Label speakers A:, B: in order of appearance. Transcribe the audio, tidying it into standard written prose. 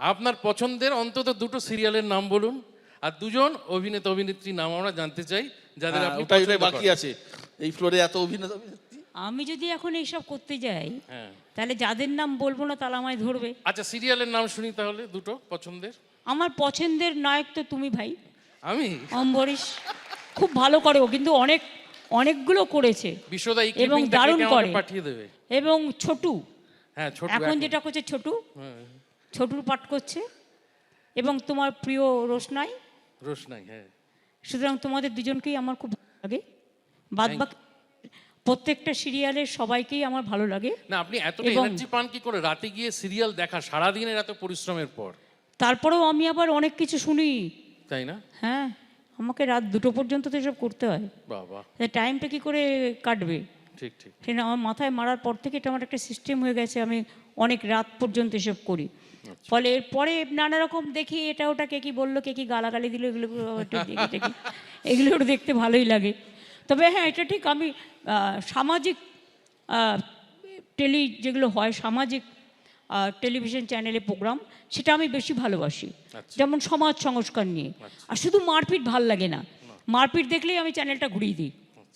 A: আপনার পছন্দের অন্তত দুটো সিরিয়ালের নাম বলুন, আর দুজন অভিনেতা অভিনেত্রীর নাম আমরা জানতে চাই যাদের আপনি
B: ওটাই
A: পছন্দ
B: বাকি
A: করেন।
B: আছে এই ফ্লোরে এত অভিনেতা অভিনেত্রী।
C: আমি যদি এখন এইসব করতে যাই
A: হ্যাঁ,
C: তাহলে যাদের নাম বলবো না তাহলে আমায় ধরবে।
A: আচ্ছা সিরিয়ালের নাম শুনি তাহলে দুটো পছন্দের।
C: আমার পছন্দের নায়ক তো তুমি ভাই,
A: আমি
C: অম্বরীশ। খুব ভালো করে ও, কিন্তু অনেকগুলো করেছে
A: বিশ্বদা এই
C: এবং
A: ক্লিপিংটা
C: দারুণ
A: কেটে আমাকে
C: করে।
A: পাঠিয়ে দেবে।
C: এবং ছোটু,
A: হ্যাঁ ছোট
C: এখন যেটা করছে ছোটু, ছোটুর পাঠ করছে। এবং তোমার প্রিয় রোশনাই।
A: রোশনাই, হ্যাঁ।
C: সুতরাং তোমাদের দুজনকেই আমার খুব ভালো লাগে। বাদবাকি প্রত্যেকটা সিরিয়ালের সবাইকেই আমার ভালো লাগে।
A: না আপনি এতটা এনার্জি পান কি করে রাতে গিয়ে সিরিয়াল দেখা, সারাদিনের এত পরিশ্রমের পর?
C: তারপরেও আমি আবার অনেক কিছু শুনি,
A: তাই না?
C: হ্যাঁ। আমাকে রাত 2টো পর্যন্ত তো এসব করতে হয়,
A: বাবা,
C: টাইমটা কি করে কাটবে?
A: ঠিক ঠিক।
C: সেটা আমার মাথায় মারার পর থেকে এটা আমার একটা সিস্টেম হয়ে গেছে, আমি অনেক রাত পর্যন্ত এসব করি। ফলে এরপরে নানা রকম দেখি, এটা ওটা কে কি বললো, কে কি গালাগালি দিল, এগুলো একটু দেখি দেখি, এগুলো একটু দেখতে ভালোই লাগে। তবে হ্যাঁ, এটা ঠিক, আমি সামাজিক যেগুলো হয় সামাজিক টেলিভিশন চ্যানেলে প্রোগ্রাম, সেটা আমি বেশি ভালোবাসি। যেমন সমাজ সংস্কার নিয়ে। আর শুধু মারপিট ভাল লাগে না, মারপিট দেখলেই আমি চ্যানেলটা ঘুরিয়ে দিই।